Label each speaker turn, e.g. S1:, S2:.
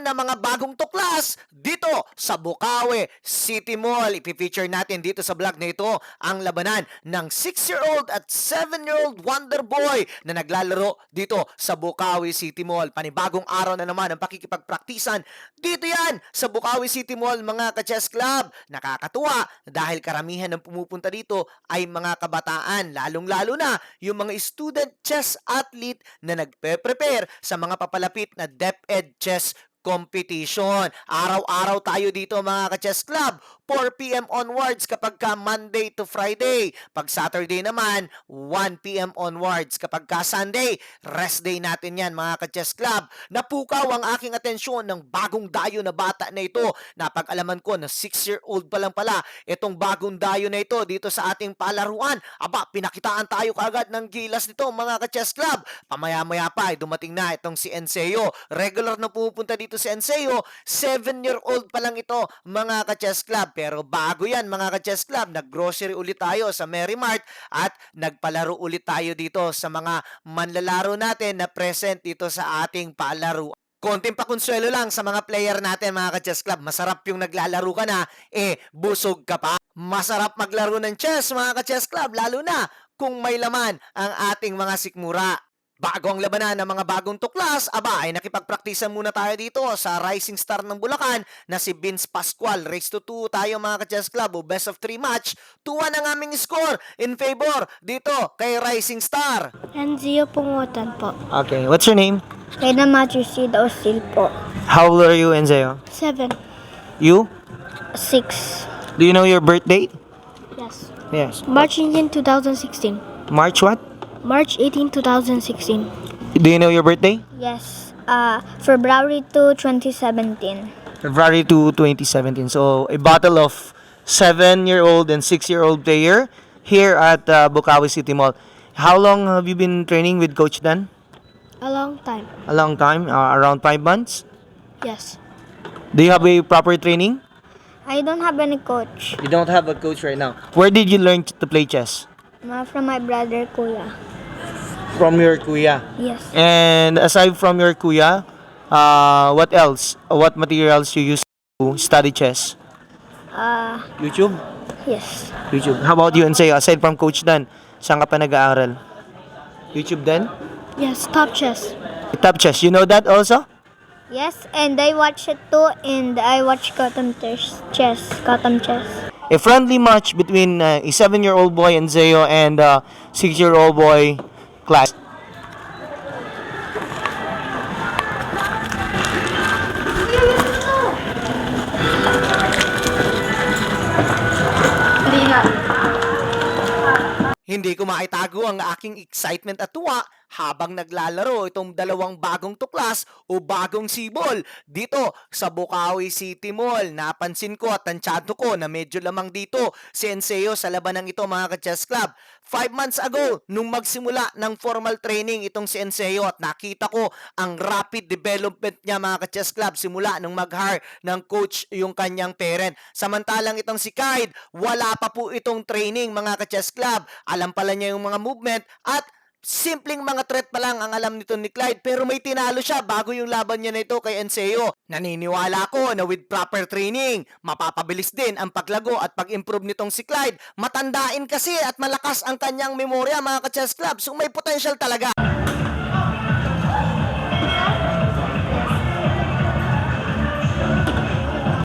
S1: ng mga bagong tuklas dito sa Bukawi City Mall. Ipifeature natin dito sa vlog na ito ang labanan ng 6-year-old at 7-year-old Wonder Boy na naglalaro dito sa Bukawi City Mall. Panibagong araw na naman ang pakikipagpraktisan dito yan sa Bukawi City Mall, mga ka-chess club. Nakakatuwa dahil karamihan ng pumupunta dito ay mga kabataan, lalong-lalo na yung mga student chess athlete na nagpe-prepare sa mga papalapit na DepEd Chess competition. Araw-araw tayo dito, mga ka-chess club, 4 p.m. onwards kapag ka Monday to Friday. Pag Saturday naman, 1 p.m. onwards. Kapag ka Sunday, rest day natin yan, mga ka-chess club. Napukaw ang aking atensyon ng bagong dayo na bata na ito. Napag-alaman ko na 6-year-old pa lang pala itong bagong dayo na ito dito sa ating palaruan. Aba, pinakitaan tayo kagad ng gilas nito, mga ka-chess club. Pamaya-maya pa ay dumating na itong si Enseo. Regular na pupunta dito si Enseo. 7-year-old pa lang ito, mga ka-chess club. Pero bago yan, mga ka-chess club, nag-grocery ulit tayo sa Merrimart at nagpalaro ulit tayo dito sa mga manlalaro natin na present dito sa ating palaro. Konting pakonsuelo lang sa mga player natin, mga ka-chess club. Masarap yung naglalaro ka na, busog ka pa. Masarap maglaro ng chess, mga ka-chess club, lalo na kung may laman ang ating mga sikmura. Bago ang labanan ng mga bagong tuklas, aba ay nakipagpraktisan muna tayo dito sa rising star ng Bulacan na si Vince Pascual. Race to 2 tayo, mga ka-chess club, o best of 3 match. 2-1 ang aming score in favor dito kay Rising Star.
S2: Enzio Pungutan po.
S3: Okay, what's your name?
S2: Reyna Matricida Osil po.
S3: How old are you, Enzeo?
S2: 7.
S3: You?
S2: 6.
S3: Do you know your birth date?
S2: Yes.
S3: Yes.
S2: March 18, 2016.
S3: March what?
S2: March 18, 2016.
S3: Do you know your birthday?
S2: Yes. February 2, 2017.
S3: February 2, 2017. So, a battle of 7-year-old and 6-year-old player here at Bukawi City Mall. How long have you been training with Coach Dan?
S2: A long time.
S3: A long time, around 5 months.
S2: Yes.
S3: Do you have a proper training?
S2: I don't have any coach.
S3: You don't have a coach right now. Where did you learn to play chess?
S2: From my brother, Kuya.
S3: From your kuya.
S2: Yes.
S3: And aside from your kuya, what else? What materials you use to study chess? YouTube?
S2: Yes.
S3: YouTube. How about you, Enseo? Aside from Coach Dan, saan ka pa nag-aaral? YouTube din?
S2: Yes, Top Chess.
S3: Top Chess, you know that also?
S2: Yes, and I watch it too, and I watch Gotham Chess. Gotham Chess.
S3: A friendly match between a 7-year-old boy, Enzeo, and a 6-year-old boy, Class.
S1: Hindi ko maitago ang aking excitement at tuwa habang naglalaro itong dalawang bagong tuklas o bagong sibol dito sa Bukawi City Mall. Napansin ko at tansyado ko na medyo lamang dito si Enseo sa labanang ito, mga ka-chess club. 5 months ago, nung magsimula ng formal training itong si Enseo, at nakita ko ang rapid development niya, mga ka-chess club, simula nung mag-hire ng coach yung kanyang parent. Samantalang itong si Clyde, wala pa po itong training, mga ka-chess club. Alam pala niya yung mga movement at simpleng mga threat pa lang ang alam nito ni Clyde, pero may tinalo siya bago yung laban niya na ito kay Enseo. Naniniwala ko na with proper training, mapapabilis din ang paglago at pag-improve nitong si Clyde. Matandain kasi at malakas ang kanyang memorya, mga ka-chess club, so may potential talaga.